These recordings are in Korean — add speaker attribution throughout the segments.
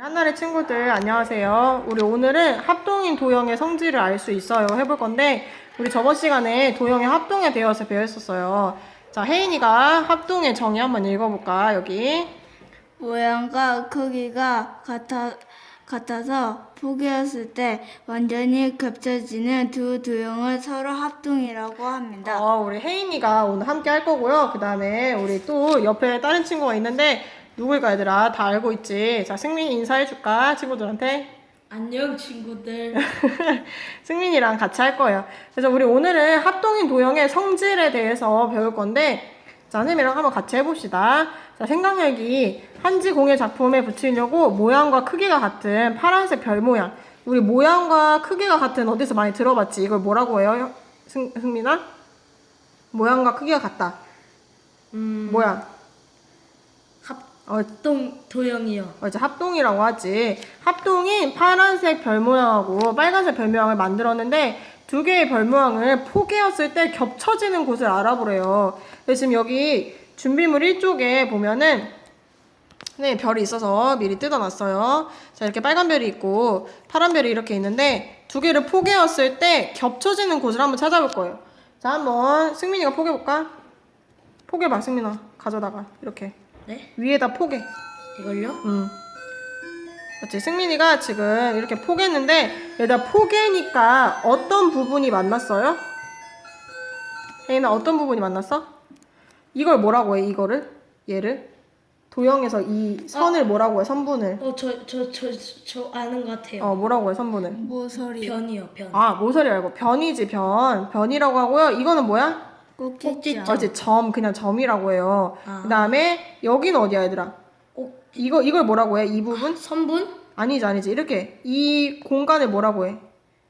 Speaker 1: 한나리 친구들 안녕하세요. 우리 오늘은 합동인 도형의 성질을 알 수 있어요 해볼 건데, 우리 저번 시간에 도형의 합동에 대해서 배웠었어요. 자, 혜인이가 합동의 정의 한번 읽어볼까? 여기
Speaker 2: 모양과 크기가 같아서 포개었을 때 완전히 겹쳐지는 두 도형을 서로 합동이라고 합니다.
Speaker 1: 우리 혜인이가 오늘 함께 할 거고요. 그 다음에 우리 또 옆에 다른 친구가 있는데 누굴까 얘들아? 다 알고 있지? 자, 승민이 인사해줄까? 친구들한테?
Speaker 3: 안녕 친구들.
Speaker 1: 승민이랑 같이 할 거예요. 그래서 우리 오늘은 합동인 도형의 성질에 대해서 배울 건데, 자, 선생님이랑 한번 같이 해봅시다. 자, 생각력이 한지 공예 작품에 붙이려고 모양과 크기가 같은 파란색 별 모양. 우리 모양과 크기가 같은 어디서 많이 들어봤지? 이걸 뭐라고 해요? 승민아? 모양과 크기가 같다. 뭐야?
Speaker 3: 합동 도형이요.
Speaker 1: 이제 합동이라고 하지. 합동인 파란색 별 모양하고 빨간색 별 모양을 만들었는데 두 개의 별 모양을 포개었을 때 겹쳐지는 곳을 알아보래요. 그래서 지금 여기 준비물 1쪽에 보면은 네, 별이 있어서 미리 뜯어놨어요. 자, 이렇게 빨간 별이 있고 파란 별이 이렇게 있는데 두 개를 포개었을 때 겹쳐지는 곳을 한번 찾아볼 거예요. 자, 한번 승민이가 포개볼까? 포개봐, 승민아. 가져다가 이렇게
Speaker 3: 네?
Speaker 1: 위에다 포개.
Speaker 3: 이걸요?
Speaker 1: 맞지? 승민이가 지금 이렇게 포개했는데 얘다 포개니까 어떤 부분이 만났어요? 혜인아, 어떤 부분이 만났어? 이걸 뭐라고 해? 이거를? 얘를? 도형에서 이 선을 뭐라고 해? 선분을.
Speaker 3: 저 아는 것 같아요.
Speaker 1: 뭐라고 해? 선분을.
Speaker 2: 모서리,
Speaker 3: 변이요, 변.
Speaker 1: 모서리 알고. 변이지, 변. 변이라고 하고요. 이거는 뭐야?
Speaker 2: 꼭지점,
Speaker 1: 어제 점, 그냥 점이라고 해요.
Speaker 3: 아.
Speaker 1: 그 다음에 여기는 어디야, 얘들아? 이걸 뭐라고 해? 이 부분?
Speaker 3: 선분?
Speaker 1: 아니지. 이렇게. 이 공간을 뭐라고 해?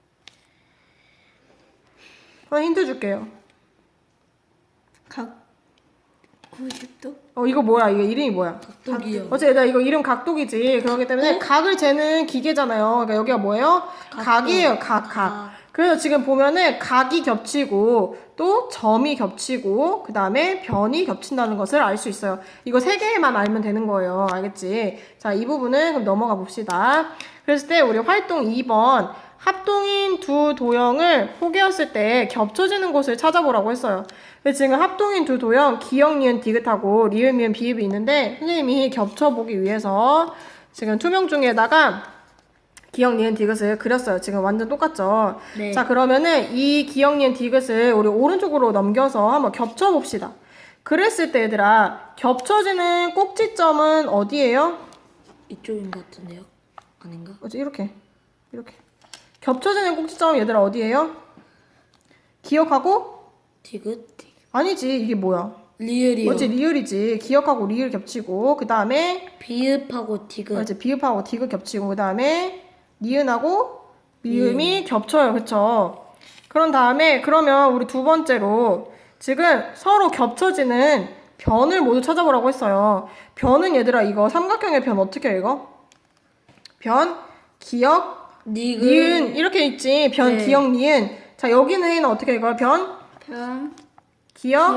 Speaker 1: 하나 힌트 줄게요.
Speaker 2: 각 90도,
Speaker 1: 이거 뭐야? 이거 이름이 뭐야?
Speaker 3: 각도기요.
Speaker 1: 어째 얘들아, 이거 이름 각도기지. 그렇기 때문에 각을 재는 기계잖아요. 그러니까 여기가 뭐예요? 각이에요. 각. 그래서 지금 보면은 각이 겹치고 또 점이 겹치고 그 다음에 변이 겹친다는 것을 알 수 있어요. 이거 세 개만 알면 되는 거예요. 알겠지? 자, 이 부분은 그럼 넘어가 봅시다. 그랬을 때 우리 활동 2번 합동인 두 도형을 포개었을 때 겹쳐지는 곳을 찾아보라고 했어요. 근데 지금 합동인 두 도형 기역, 니은, 디귿하고 리을, 미음, 비읍이 있는데 선생님이 겹쳐보기 위해서 지금 투명 중에다가 기역, 니은, 디귿을 그렸어요. 지금 완전 똑같죠?
Speaker 3: 네.
Speaker 1: 자, 그러면은 이 기역, 니은, 디귿을 우리 오른쪽으로 넘겨서 한번 겹쳐봅시다. 그랬을 때 얘들아, 겹쳐지는 꼭지점은 어디예요?
Speaker 3: 이쪽인 것 같은데요? 아닌가?
Speaker 1: 이렇게. 겹쳐지는 꼭지점 얘들아 어디예요? 기역하고?
Speaker 3: 디귿?
Speaker 1: 아니지, 이게 뭐야?
Speaker 3: 리을이요.
Speaker 1: 어찌 리을이지. 기역하고 리을 겹치고 그 다음에
Speaker 3: 비읍하고 디귿.
Speaker 1: 어찌 비읍하고 디귿 겹치고 그 다음에 니은하고 미음이 겹쳐요. 그쵸? 그런 다음에 그러면 우리 두 번째로 지금 서로 겹쳐지는 변을 모두 찾아보라고 했어요. 변은 얘들아 이거 삼각형의 변 어떻게 읽어? 변, 기역, 니은 이렇게 있지. 변,
Speaker 3: 네.
Speaker 1: 기역, 니은. 자, 여기는 혜인은 어떻게 읽어요? 변, 기역,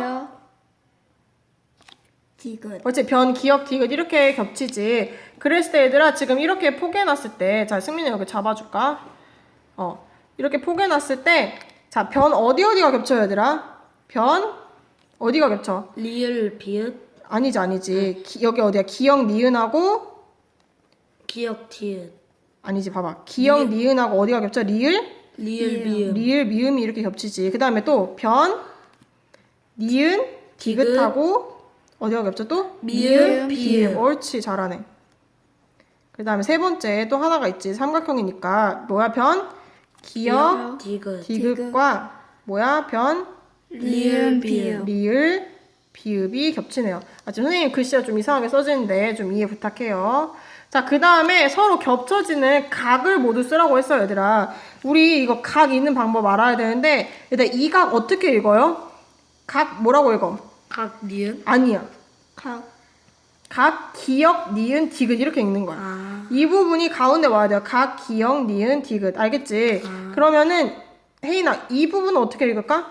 Speaker 2: 디귿,
Speaker 1: 어째 변, 기역, 디귿 이렇게 겹치지. 그랬을 때 얘들아 지금 이렇게 포개놨을 때, 자, 승민이 여기 잡아줄까? 이렇게 포개놨을 때, 자, 변 어디가 겹쳐요 얘들아? 변 어디가 겹쳐?
Speaker 3: 리을, 비읍,
Speaker 1: 아니지. 여기 어디야? 기역, 니은하고
Speaker 3: 기역, 디귿.
Speaker 1: 아니지, 봐봐. 기역, 니은하고 어디가 겹쳐? 리을,
Speaker 3: 리을, 미음.
Speaker 1: 미음이 이렇게 겹치지. 그 다음에 또 변, 니은, 디귿하고 어디가 겹쳐 또?
Speaker 3: 미음, 비읍.
Speaker 1: 옳지, 잘하네. 그 다음에 세 번째 또 하나가 있지. 삼각형이니까 뭐야? 변, 기역,
Speaker 3: 디귿.
Speaker 1: 디귿과 뭐야? 변,
Speaker 2: 리을, 비읍,
Speaker 1: 리을, 비읍이 겹치네요. 지금 선생님 글씨가 좀 이상하게 써지는데 좀 이해 부탁해요. 자, 그 다음에 서로 겹쳐지는 각을 모두 쓰라고 했어요, 얘들아. 우리 이거 각 있는 방법 알아야 되는데, 얘들아, 이 각 어떻게 읽어요? 각 뭐라고 읽어?
Speaker 3: 각, 니은?
Speaker 1: 아니야.
Speaker 2: 각,
Speaker 1: 기역, 니은, 디귿 이렇게 읽는 거야. 이 부분이 가운데 와야 돼요. 각, 기역, 니은, 디귿. 알겠지? 그러면은, 혜인아, 이 부분은 어떻게 읽을까?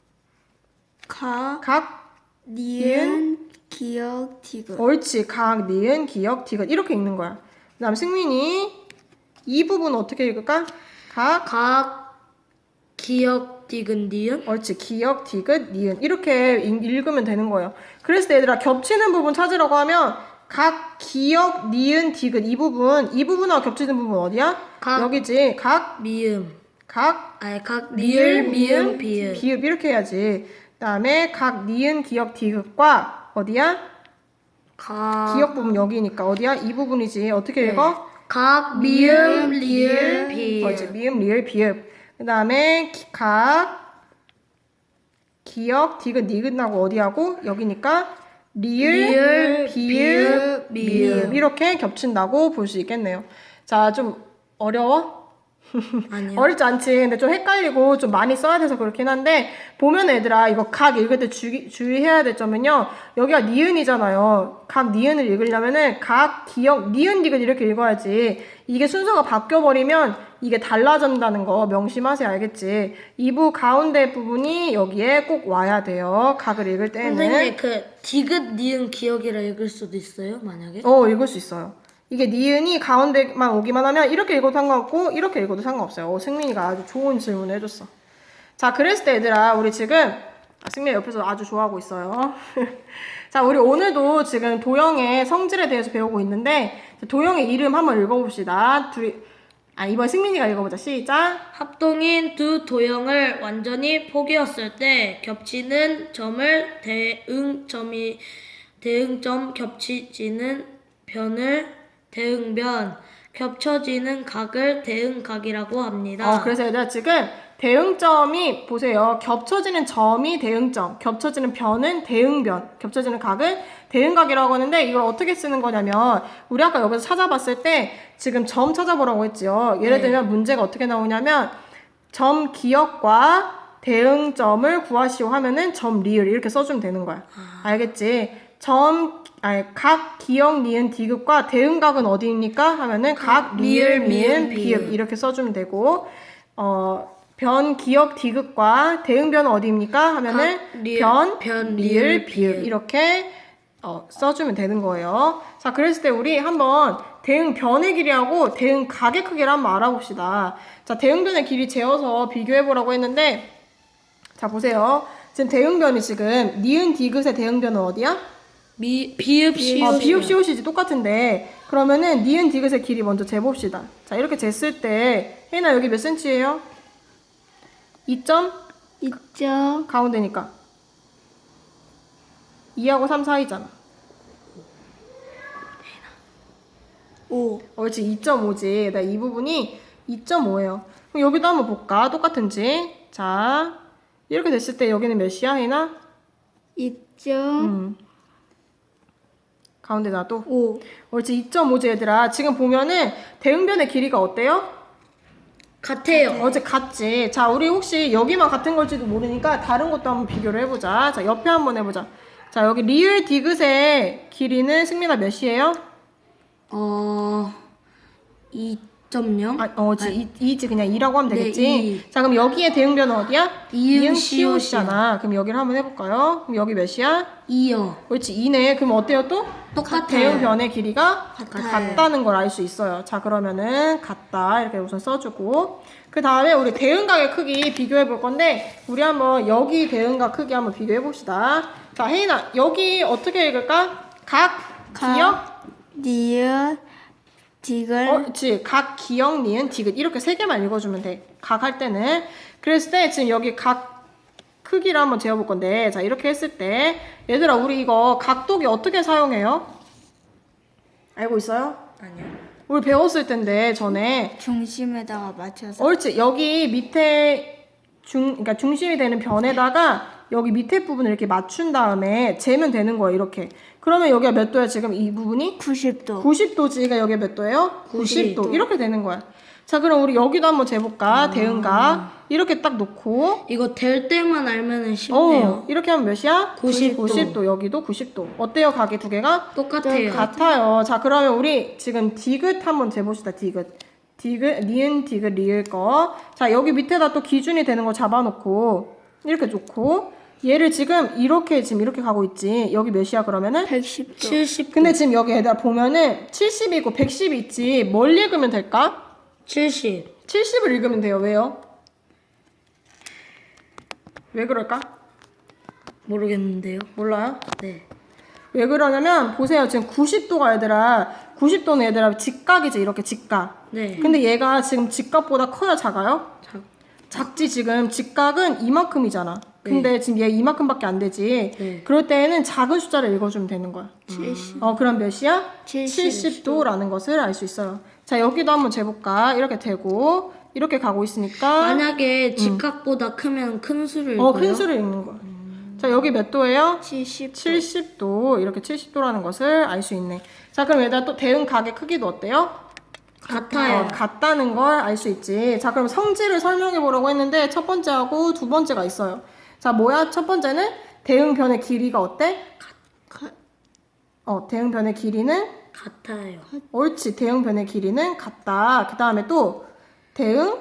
Speaker 1: 각,
Speaker 2: 니은, 기역, 디귿.
Speaker 1: 옳지. 각, 니은, 기역, 디귿 이렇게 읽는 거야. 다음 승민이 이 부분 어떻게 읽을까?
Speaker 3: 각 기역 디귿 니은
Speaker 1: 옳지. 기역, 디귿, 니은 이렇게 읽으면 되는 거예요. 그랬을 때 얘들아 겹치는 부분 찾으라고 하면 각 기역, 니은, 디귿 이 부분하고 겹치는 부분 어디야?
Speaker 3: 각.
Speaker 1: 여기지.
Speaker 3: 미음
Speaker 1: 각
Speaker 3: 각 리을 미음 비읍
Speaker 1: 비읍 이렇게 해야지. 그다음에 각 니은, 기역, 디귿과 어디야?
Speaker 3: 각
Speaker 1: 기역 부분 여기니까 어디야? 이 부분이지. 어떻게 읽어?
Speaker 3: 각 미음 리을 비읍
Speaker 1: 옳지. 미음, 리을, 비읍. 그다음에 각 기역, 디귿, 니귿하고 어디하고 여기니까 리을, 비읍, 미음 이렇게 겹친다고 볼 수 있겠네요. 자, 좀 어려워?
Speaker 3: 아니요.
Speaker 1: 어렵지 않지. 근데 좀 헷갈리고 좀 많이 써야 돼서 그렇긴 한데 보면 얘들아 이거 각 읽을 때 주의해야 될 점은요. 여기가 니은이잖아요. 각 니은을 읽으려면은 각 기역 니은 디귿 이렇게 읽어야지. 이게 순서가 바뀌어버리면 이게 달라진다는 거 명심하세요. 알겠지? 이부 가운데 부분이 여기에 꼭 와야 돼요. 각을 읽을 때는.
Speaker 3: 선생님 그 디귿 니은 기역이라 읽을 수도 있어요 만약에?
Speaker 1: 읽을 수 있어요. 이게 니은이 가운데만 오기만 하면 이렇게 읽어도 상관없고 이렇게 읽어도 상관없어요. 승민이가 아주 좋은 질문을 해줬어. 자, 그랬을 때 얘들아 우리 지금 승민이 옆에서 아주 좋아하고 있어요. 자, 우리 오늘도 지금 도형의 성질에 대해서 배우고 있는데 도형의 이름 한번 읽어봅시다. 이번 승민이가 읽어보자. 시작.
Speaker 3: 합동인 두 도형을 완전히 포개었을 때 겹치는 점을 대응점 겹치지는 변을 대응변 겹쳐지는 각을 대응각이라고 합니다.
Speaker 1: 그래서 얘들아 지금 대응점이 보세요. 겹쳐지는 점이 대응점, 겹쳐지는 변은 대응변, 겹쳐지는 각을 대응각이라고 하는데 이걸 어떻게 쓰는 거냐면 우리 아까 여기서 찾아봤을 때 지금 점 찾아보라고 했죠. 예를 들면 문제가 어떻게 나오냐면 점 기역과 대응점을 구하시오 하면은 점 리을 이렇게 써주면 되는 거야. 알겠지? 각 기역 니은 디귿과 대응각은 어디입니까? 하면은 각 리을 미은 비읍 이렇게 써주면 되고 변 기역 디귿과 대응변은 어디입니까? 하면은 변 리을 비읍 이렇게 써주면 되는 거예요. 자, 그랬을 때 우리 한번 대응변의 길이하고 대응각의 크기를 한번 알아봅시다. 자, 대응변의 길이 재어서 비교해보라고 했는데 자, 보세요. 지금 대응변이 지금 니은 디귿의 대응변은 어디야?
Speaker 3: 비읍 시옷
Speaker 1: 비읍 시옷이지 똑같은데 그러면은 니은 디귿의 길이 먼저 재봅시다. 자, 이렇게 쟀을 때 혜인아 여기 몇 cm예요? 2점?
Speaker 2: 2점
Speaker 1: 가운데니까 2하고 3 사이잖아.
Speaker 2: 5
Speaker 1: 옳지. 2.5지. 이 부분이 2.5예요. 그럼 여기도 한번 볼까? 똑같은지. 자, 이렇게 됐을 때 여기는 몇이야 혜인아?
Speaker 2: 2점
Speaker 1: 가운데 놔도
Speaker 2: 5
Speaker 1: 옳지. 2.5지 얘들아. 지금 보면은 대응변의 길이가 어때요?
Speaker 3: 같아요.
Speaker 1: 어제 같지. 자, 우리 혹시 여기만 같은 걸지도 모르니까 다른 것도 한번 비교를 해보자. 자, 옆에 한번 해보자. 자, 여기 리을 디귿의 길이는 승민아 몇이에요?
Speaker 3: 2.0?
Speaker 1: 이지 그냥 2라고 하면
Speaker 3: 네,
Speaker 1: 되겠지.
Speaker 3: 2.
Speaker 1: 자, 그럼 여기에 대응변은 어디야?
Speaker 3: 이응
Speaker 1: 시옷이잖아. 그럼 여기를 한번 해볼까요? 그럼 여기 몇이야?
Speaker 3: 2요.
Speaker 1: 그렇지. 2네. 그럼 어때요 또?
Speaker 3: 똑같아요.
Speaker 1: 대응변의 길이가
Speaker 3: 같아요.
Speaker 1: 같다는 걸 알 수 있어요. 자, 그러면은 같다 이렇게 우선 써주고 그 다음에 우리 대응각의 크기 비교해 볼 건데 우리 한번 여기 대응각 크기 한번 비교해 봅시다. 자, 혜인아 여기 어떻게 읽을까? 기역
Speaker 2: 니은 디귿
Speaker 1: 그렇지. 각 기역 니은 디귿 이렇게 세 개만 읽어주면 돼. 각 할 때는 그랬을 때 지금 여기 각 크기를 한번 재어볼 건데 자 이렇게 했을 때 얘들아 우리 이거 각도기 어떻게 사용해요? 알고 있어요?
Speaker 3: 아니요.
Speaker 1: 우리 배웠을 텐데 전에
Speaker 2: 중심에다가 맞춰서
Speaker 1: 옳지. 여기 밑에 그러니까 중심이 되는 변에다가 여기 밑에 부분을 이렇게 맞춘 다음에 재면 되는 거예요. 이렇게. 그러면 여기가 몇 도야 지금 이 부분이?
Speaker 2: 90도
Speaker 1: 90도지. 그러니까 여기가 몇 도예요? 90도.
Speaker 3: 90도.
Speaker 1: 이렇게 되는 거야. 자, 그럼 우리 여기도 한번 재볼까? 대응각. 이렇게 딱 놓고
Speaker 3: 이거 될 때만 알면은 쉽네요.
Speaker 1: 이렇게 하면 몇이야?
Speaker 3: 90도.
Speaker 1: 90도. 여기도 90도. 어때요? 각이 두 개가?
Speaker 3: 똑같아요.
Speaker 1: 같아요. 자, 그러면 우리 지금 디귿 한번 재봅시다. 니은 디귿 리을 거. 자, 여기 밑에다 또 기준이 되는 거 잡아놓고 이렇게 놓고 얘를 지금 이렇게 가고 있지. 여기 몇이야 그러면은?
Speaker 2: 110도.
Speaker 3: 70.
Speaker 1: 근데 지금 여기 얘들아 보면은 70이고 110이 있지. 뭘 읽으면 될까?
Speaker 3: 70.
Speaker 1: 70을 읽으면 돼요. 왜요? 왜 그럴까?
Speaker 3: 모르겠는데요.
Speaker 1: 몰라요?
Speaker 3: 네.
Speaker 1: 왜 그러냐면 보세요. 지금 90도가 얘들아 90도는 얘들아 직각이지. 이렇게 직각.
Speaker 3: 네.
Speaker 1: 근데 얘가 지금 직각보다 커요? 작아요? 작지. 지금 직각은 이만큼이잖아. 근데 지금 얘 이만큼밖에 안 되지.
Speaker 3: 네.
Speaker 1: 그럴 때에는 작은 숫자를 읽어주면 되는 거야.
Speaker 2: 70.
Speaker 1: 그럼 몇이야?
Speaker 2: 70.
Speaker 1: 70도라는 것을 알 수 있어요. 자, 여기도 한번 재볼까? 이렇게 되고 이렇게 가고 있으니까
Speaker 3: 만약에 직각보다 크면 큰 수를 읽어요?
Speaker 1: 큰 수를 읽는 거야. 자, 여기 몇 도예요?
Speaker 2: 70도.
Speaker 1: 70도. 이렇게 70도라는 것을 알 수 있네. 자, 그럼 얘들아 또 대응 각의 크기도 어때요?
Speaker 3: 같아요.
Speaker 1: 같다는 걸 알 수 있지. 자, 그럼 성질을 설명해 보라고 했는데 첫 번째하고 두 번째가 있어요. 자, 뭐야? 첫 번째는 대응변의 길이가 어때? 대응변의 길이는
Speaker 3: 같아요.
Speaker 1: 옳지. 대응변의 길이는 같다. 그 다음에 또 대응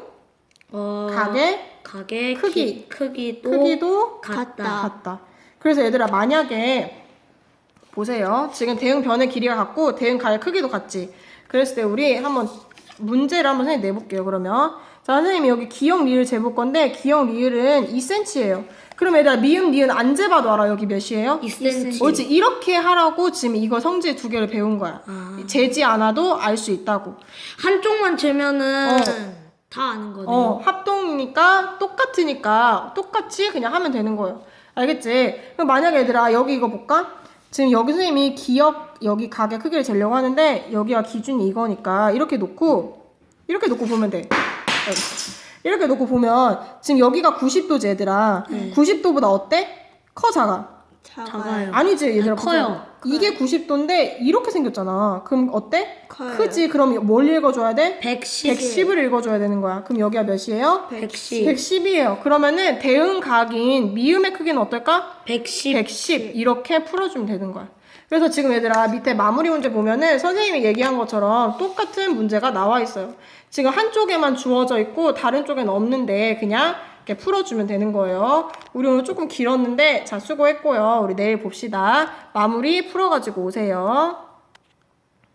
Speaker 1: 각의 크기. 크기도 같다. 그래서 얘들아 만약에 보세요. 지금 대응변의 길이가 같고 대응각의 크기도 같지. 그랬을 때 우리 한번 문제를 한번 선생님 내볼게요. 그러면 자, 선생님이 여기 기역 리을 재볼 건데 기역 리을은 2cm예요. 그럼 얘들아 미음 니은 안 재봐도 알아. 여기 몇이에요?
Speaker 3: 2cm.
Speaker 1: 옳지. 이렇게 하라고 지금 이거 성질 두 개를 배운 거야. 재지 않아도 알 수 있다고.
Speaker 3: 한쪽만 재면은 다 아는 거네요.
Speaker 1: 합동이니까 똑같으니까 똑같이 그냥 하면 되는 거예요. 알겠지? 그럼 만약에 얘들아 여기 이거 볼까? 지금 여기 선생님이 기역 여기 각의 크기를 재려고 하는데 여기가 기준이 이거니까 이렇게 놓고 보면 돼. 이렇게 놓고 보면 지금 여기가 90도지 얘들아. 90도보다 어때? 커 작아?
Speaker 3: 작아요.
Speaker 1: 아니지 얘들아.
Speaker 3: 커요.
Speaker 1: 이게 90도인데 이렇게 생겼잖아. 그럼 어때?
Speaker 2: 커요.
Speaker 1: 크지. 그럼 뭘 읽어줘야 돼?
Speaker 3: 110.
Speaker 1: 110을 읽어줘야 되는 거야. 그럼 여기가 몇이에요?
Speaker 3: 110.
Speaker 1: 110이에요. 그러면은 대응각인 미음의 크기는 어떨까?
Speaker 3: 110.
Speaker 1: 110 이렇게 풀어주면 되는 거야. 그래서 지금 얘들아 밑에 마무리 문제 보면은 선생님이 얘기한 것처럼 똑같은 문제가 나와 있어요. 지금 한쪽에만 주어져 있고 다른 쪽에는 없는데 그냥 이렇게 풀어주면 되는 거예요. 우리 오늘 조금 길었는데 자 수고했고요. 우리 내일 봅시다. 마무리 풀어가지고 오세요.